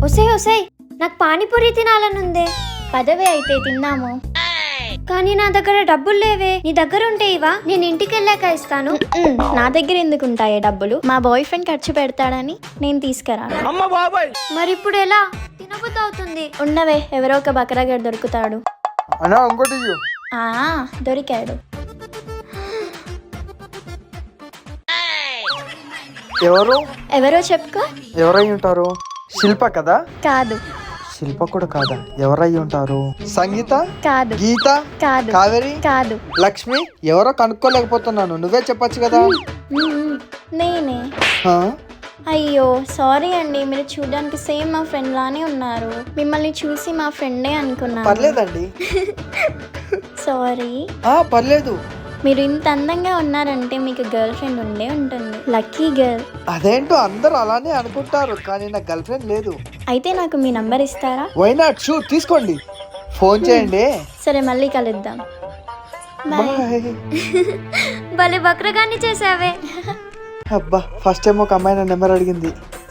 ఒసే ఒసే నాకు పానీపూరి తినాలనుందే. పదవే అయితే తిందాము. కానీ నా దగ్గర డబ్బులు లేవే. నీ దగ్గర ఉంటే ఇవా, నేను ఇంటికి వెళ్ళాక ఇస్తాను. నా దగ్గర ఎందుకు ఉంటాయే డబ్బులు? మా బాయ్ ఫ్రెండ్ ఖర్చు పెడతాడని నేను తీసుకురాను. మరి ఇప్పుడు ఎలా? తినబుద్ధి అవుతుంది. ఉండవే, ఎవరో ఒక బకరాగాడు దొరుకుతాడు. అన్నా ఇంకోటి ఇయ్యు. దొరికాడు. ఎవరో చెప్పుకో. ఎవరై ఉంటారు? శిల్ప కదా? కాదు. శిల్ప కూడా కాదా? ఎవరై ఉంటారు? సంగీత? కాదు. గీత? కాదు. కావేరి? కాదు. లక్ష్మి? ఎవరో కనుక్కోలేకపోతున్నాను, నువ్వే చెప్పొచ్చు కదా. నేనే. హా? అయ్యో సారీ అండి, మీరు చూడడానికి సేమ్ మా ఫ్రెండ్ లానే ఉన్నారు. మిమ్మల్ని చూసి మా ఫ్రెండే అనుకున్నాను. పర్లేదండి. సారీ. పర్లేదు. మీరు ఇంత అందంగా ఉన్నారంటే మీకు గర్ల్ ఫ్రెండ్ ఉండే ఉంటుంది. Lucky girl. అదేంటో అందరూ అలానే అనుకుంటారు, కానీ నా గర్ల్ ఫ్రెండ్ లేదు. అయితే నాకు మీ నంబర్ ఇస్తారా? వై నాట్, షూర్, తీసుకోండి, ఫోన్ చేయండి. సరే, మళ్ళీ కలుద్దాం. బాయ్. భలే బక్రగాన్ని చేసావే. అబ్బా, ఫస్ట్ టైం ఒక అమ్మాయి నా నెంబర్ అడిగింది.